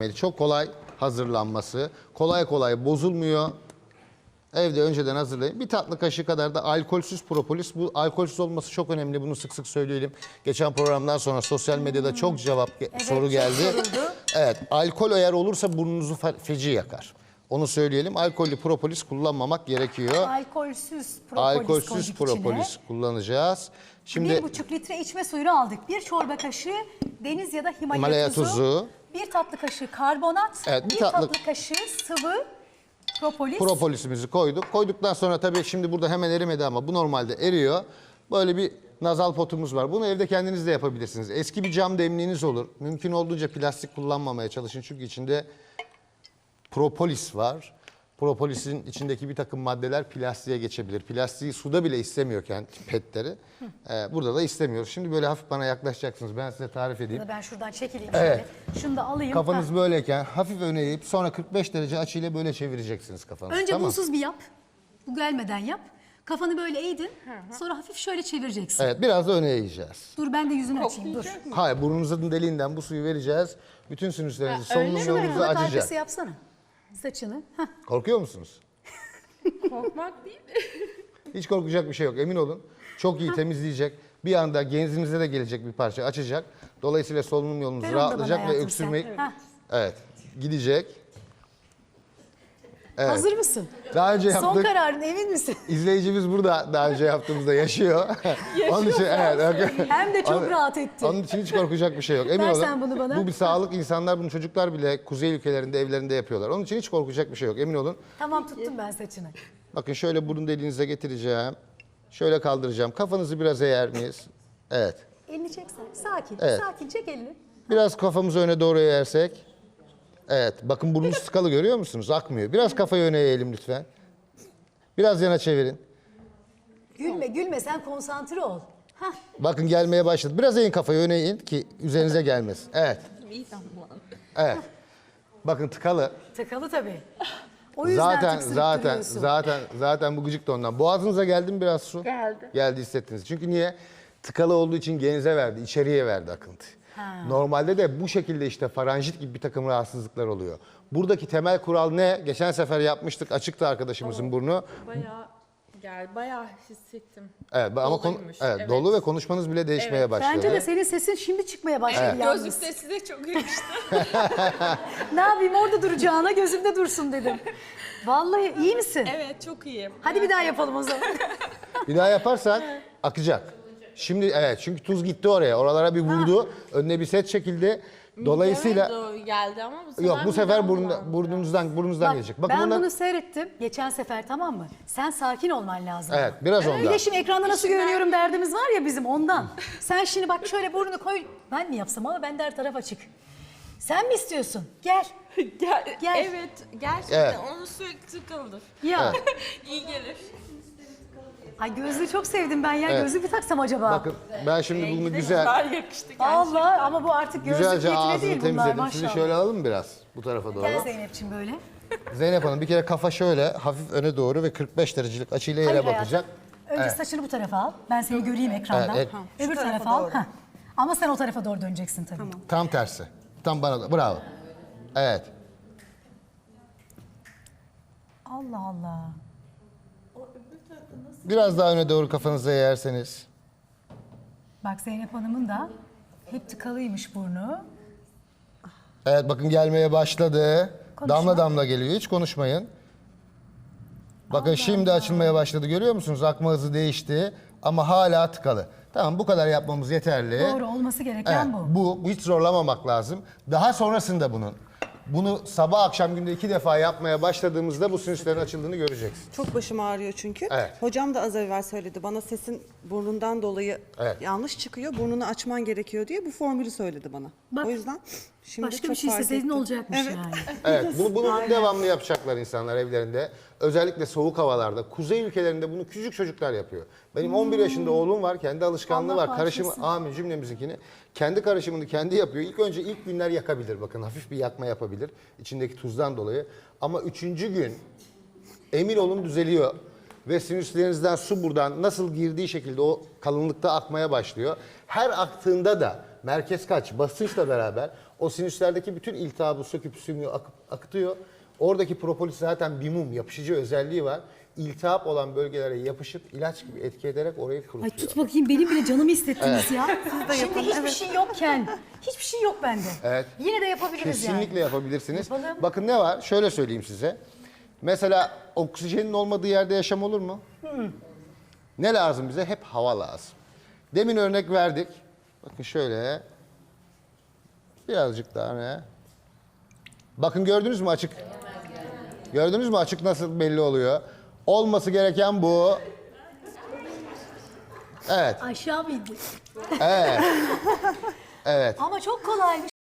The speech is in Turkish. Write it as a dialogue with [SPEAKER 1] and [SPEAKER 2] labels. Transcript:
[SPEAKER 1] Çok kolay hazırlanması, kolay kolay bozulmuyor. Evde önceden hazırlayın. Bir tatlı kaşığı kadar da alkolsüz propolis. Bu alkolsüz olması çok önemli. Bunu sık sık söyleyelim. Geçen programdan sonra sosyal medyada çok soru geldi. Evet, alkol eğer olursa burnunuzu feci yakar. Onu söyleyelim. Alkollü propolis kullanmamak gerekiyor.
[SPEAKER 2] Alkolsüz
[SPEAKER 1] propolis kullanacağız. Şimdi
[SPEAKER 2] 1,5 litre içme suyunu aldık. 1 çorba kaşığı deniz ya da Himalaya
[SPEAKER 1] Himalaya
[SPEAKER 2] tuzu.
[SPEAKER 1] tuzu.
[SPEAKER 2] 1 tatlı kaşığı karbonat.
[SPEAKER 1] Evet, bir
[SPEAKER 2] 1
[SPEAKER 1] tatlı
[SPEAKER 2] tatlı kaşığı sıvı propolis.
[SPEAKER 1] propolisimizi koyduk. Koyduktan sonra tabii şimdi burada hemen erimedi ama bu normalde eriyor. Böyle bir nazal potumuz var. Bunu evde kendiniz de yapabilirsiniz. Eski bir cam demliğiniz olur. Mümkün olduğunca plastik kullanmamaya çalışın. Çünkü içinde propolis var. Propolisin içindeki bir takım maddeler plastiğe geçebilir. Plastiği suda bile istemiyorken petleri burada da istemiyoruz. Şimdi böyle hafif bana yaklaşacaksınız. Ben size tarif edeyim.
[SPEAKER 2] Ben şuradan çekileyim
[SPEAKER 1] Evet.
[SPEAKER 2] şöyle. Şunu da alayım.
[SPEAKER 1] Kafanız böyleyken hafif öne eğip sonra 45 derece açıyla böyle çevireceksiniz kafanızı.
[SPEAKER 2] Önce
[SPEAKER 1] tamam.
[SPEAKER 2] bunsuz bir yap. Bu gelmeden yap. Kafanı böyle eğdin. Sonra hafif şöyle çevireceksin.
[SPEAKER 1] Evet, biraz da öne eğeceğiz.
[SPEAKER 2] Dur ben de yüzünü açayım. Dur.
[SPEAKER 1] Hayır, burnunuzun deliğinden bu suyu vereceğiz. Bütün sinüslerinizi, solunum
[SPEAKER 2] Şurada
[SPEAKER 1] yolunuzu
[SPEAKER 2] kulak
[SPEAKER 1] açacak.
[SPEAKER 2] arkası yapsana. Saçını. Hah.
[SPEAKER 1] Korkuyor musunuz?
[SPEAKER 3] Korkmak değil.
[SPEAKER 1] Hiç korkacak bir şey yok, emin olun. Çok iyi temizleyecek. Bir anda genzinize de gelecek bir parça açacak. Dolayısıyla solunum yolunuz
[SPEAKER 2] Ver onu da bana
[SPEAKER 1] rahatlayacak ve
[SPEAKER 2] hayatım
[SPEAKER 1] öksürmeyi...
[SPEAKER 2] sen. Hah.
[SPEAKER 1] Evet, gidecek. Evet.
[SPEAKER 2] Hazır mısın?
[SPEAKER 1] Daha önce
[SPEAKER 2] Son
[SPEAKER 1] yaptık.
[SPEAKER 2] kararın emin misin?
[SPEAKER 1] İzleyicimiz burada daha önce yaptığımızda yaşıyor. Onun için evet.
[SPEAKER 2] Hem de çok rahat etti.
[SPEAKER 1] Onun için hiç korkacak bir şey yok. Emin
[SPEAKER 2] Ver
[SPEAKER 1] olun.
[SPEAKER 2] sen bunu bana.
[SPEAKER 1] Bu bir sağlık. İnsanlar bunu çocuklar bile kuzey ülkelerinde evlerinde yapıyorlar. Onun için hiç korkacak bir şey yok. Emin olun.
[SPEAKER 2] Tamam tuttum ben saçını.
[SPEAKER 1] Bakın şöyle burun deliğinize getireceğim. Şöyle kaldıracağım. Kafanızı biraz eğer miyiz? Evet.
[SPEAKER 2] Elini çeksen. Sakin.
[SPEAKER 1] Evet.
[SPEAKER 2] Sakin çek elini.
[SPEAKER 1] Biraz kafamızı öne doğru eğersek. Evet. Bakın burnunuz tıkalı görüyor musunuz? Akmıyor. Biraz kafayı öne eğelim lütfen. Biraz yana çevirin.
[SPEAKER 2] Gülme gülme sen konsantre ol. Hah.
[SPEAKER 1] Bakın gelmeye başladı. Biraz eğin kafayı öne eğin ki üzerinize gelmesin. Evet. Evet. Bakın tıkalı.
[SPEAKER 2] Tıkalı tabii. O yüzden tıksırıp duruyorsun.
[SPEAKER 1] Zaten bu gıcık da ondan. Boğazınıza geldi mi biraz su?
[SPEAKER 3] Geldi.
[SPEAKER 1] Geldi hissettiniz. Çünkü niye? Tıkalı olduğu için genize verdi, içeriye verdi akıntı. Normalde de bu şekilde işte faranjit gibi bir takım rahatsızlıklar oluyor. Buradaki temel kural ne? Geçen sefer yapmıştık, açıktı arkadaşımızın burnu.
[SPEAKER 3] Bayağı hissettim.
[SPEAKER 1] Evet ama
[SPEAKER 3] Doluymuş,
[SPEAKER 1] evet, dolu ve konuşmanız bile değişmeye başladı.
[SPEAKER 2] Bence de senin sesin şimdi çıkmaya başladı yalnız.
[SPEAKER 3] Gözlükte size çok yakıştı.
[SPEAKER 2] Ne yapayım orada duracağına gözümde dursun dedim. Vallahi iyi misin?
[SPEAKER 3] Evet çok iyiyim.
[SPEAKER 2] Hadi bir daha yapalım o zaman.
[SPEAKER 1] Bir daha yaparsak akacak. Şimdi evet çünkü tuz gitti oraya. Oralara bir vurdu. Önüne bir set çekildi. Dolayısıyla
[SPEAKER 3] Evet, geldi ama bu sefer
[SPEAKER 1] yok bu sefer
[SPEAKER 3] midem
[SPEAKER 1] burnunuzdan
[SPEAKER 2] Bak,
[SPEAKER 1] gelecek. Bakın
[SPEAKER 2] ben
[SPEAKER 1] bundan-
[SPEAKER 2] bunu seyrettim geçen sefer tamam mı? Sen sakin olman lazım.
[SPEAKER 1] Evet biraz
[SPEAKER 2] Bir
[SPEAKER 1] ondan.
[SPEAKER 2] de şimdi ekranda nasıl görünüyorum derdimiz var ya bizim ondan. Sen şimdi bak şöyle burnunu koy. Ben mi yapsam ama bende her taraf açık. Sen mi istiyorsun? Gel. Gel.
[SPEAKER 3] Evet gerçekten
[SPEAKER 1] Evet.
[SPEAKER 3] onun sürekli tıkalıdır.
[SPEAKER 2] Ya.
[SPEAKER 3] İyi gelir.
[SPEAKER 2] Ay gözlüğü çok sevdim ben ya.
[SPEAKER 1] Evet.
[SPEAKER 2] Gözlüğü bir taksam acaba?
[SPEAKER 1] Bakın ben şimdi bunu güzel
[SPEAKER 3] Daha yakıştı gerçekten.
[SPEAKER 2] Allah ama bu artık gözlük
[SPEAKER 1] güzelce
[SPEAKER 2] niyetine
[SPEAKER 1] ağzını
[SPEAKER 2] değil bunlar
[SPEAKER 1] temizledim.
[SPEAKER 2] maşallah.
[SPEAKER 1] Sizi şöyle alalım mı biraz bu tarafa doğru?
[SPEAKER 2] Gel Zeynep'ciğim böyle.
[SPEAKER 1] Zeynep Hanım bir kere kafa şöyle hafif öne doğru ve 45 derecelik açıyla yere
[SPEAKER 2] Hayır
[SPEAKER 1] bakacak.
[SPEAKER 2] hayatım. Önce saçını bu tarafa al. Ben seni göreyim ekrandan.
[SPEAKER 1] Evet,
[SPEAKER 2] Öbür tarafa al. Heh. Ama sen o tarafa doğru döneceksin tabii.
[SPEAKER 1] Tam tersi. Tam bana da. Bravo. Evet.
[SPEAKER 2] Allah Allah.
[SPEAKER 1] Biraz daha öne doğru kafanızı eğerseniz.
[SPEAKER 2] Bak Zeynep Hanım'ın da hep tıkalıymış burnu.
[SPEAKER 1] Evet bakın gelmeye başladı.
[SPEAKER 2] Konuşma.
[SPEAKER 1] Damla damla geliyor. Hiç konuşmayın. Bakın şimdi açılmaya başladı. Görüyor musunuz? Akma hızı değişti ama hala tıkalı. Tamam bu kadar yapmamız yeterli.
[SPEAKER 2] Doğru olması gereken
[SPEAKER 1] Evet,
[SPEAKER 2] bu.
[SPEAKER 1] bu hiç zorlamamak lazım. Daha sonrasında bunu sabah akşam günde 2 defa yapmaya başladığımızda bu sinüslerin açıldığını göreceksiniz.
[SPEAKER 4] Çok başım ağrıyor çünkü.
[SPEAKER 1] Evet.
[SPEAKER 4] Hocam da az evvel söyledi. Bana sesin burnundan dolayı
[SPEAKER 1] Evet.
[SPEAKER 4] yanlış çıkıyor. Burnunu açman gerekiyor diye bu formülü söyledi bana.
[SPEAKER 2] Bak,
[SPEAKER 4] o yüzden şimdi
[SPEAKER 2] Başka
[SPEAKER 4] çok
[SPEAKER 2] bir şey
[SPEAKER 4] fark
[SPEAKER 2] isteseydin
[SPEAKER 4] ettim.
[SPEAKER 2] olacakmış
[SPEAKER 4] Evet.
[SPEAKER 2] yani.
[SPEAKER 1] Evet, bunu devamlı yapacaklar insanlar evlerinde. Özellikle soğuk havalarda. Kuzey ülkelerinde bunu küçük çocuklar yapıyor. Benim 11 yaşında oğlum var, kendi alışkanlığı
[SPEAKER 2] Allah
[SPEAKER 1] var. Karışımı,
[SPEAKER 2] bağışlasın.
[SPEAKER 1] amin cümlemizinkini. Kendi karışımını kendi yapıyor. İlk günler yakabilir bakın. Hafif bir yakma yapabilir. İçindeki tuzdan dolayı. Ama 3. gün emin olun düzeliyor. Ve sinüslerinizden su buradan nasıl girdiği şekilde o kalınlıkta akmaya başlıyor. Her aktığında da merkez kaç basınçla beraber O sinüslerdeki bütün iltihabı söküp sümüğü akıtıyor. Oradaki propolis zaten bir mum, yapışıcı özelliği var. İltihap olan bölgelere yapışıp ilaç gibi etki ederek orayı kurutuyor.
[SPEAKER 2] Ay tut bakayım, benim bile canımı hissettiniz ya. Şimdi hiçbir şey yokken, hiçbir şey yok bende.
[SPEAKER 1] Evet.
[SPEAKER 2] Yine de yapabiliriz yani.
[SPEAKER 1] Kesinlikle yapabilirsiniz.
[SPEAKER 2] Yapalım.
[SPEAKER 1] Bakın ne var? Şöyle söyleyeyim size. Mesela oksijenin olmadığı yerde yaşam olur mu? Ne lazım bize? Hep hava lazım. Demin örnek verdik. Bakın şöyle. Birazcık daha ne? Bakın gördünüz mü açık? Gördünüz mü açık nasıl belli oluyor? Olması gereken bu. Evet.
[SPEAKER 2] Aşağı mıydı?
[SPEAKER 1] Evet. Evet.
[SPEAKER 2] Ama çok kolaymış.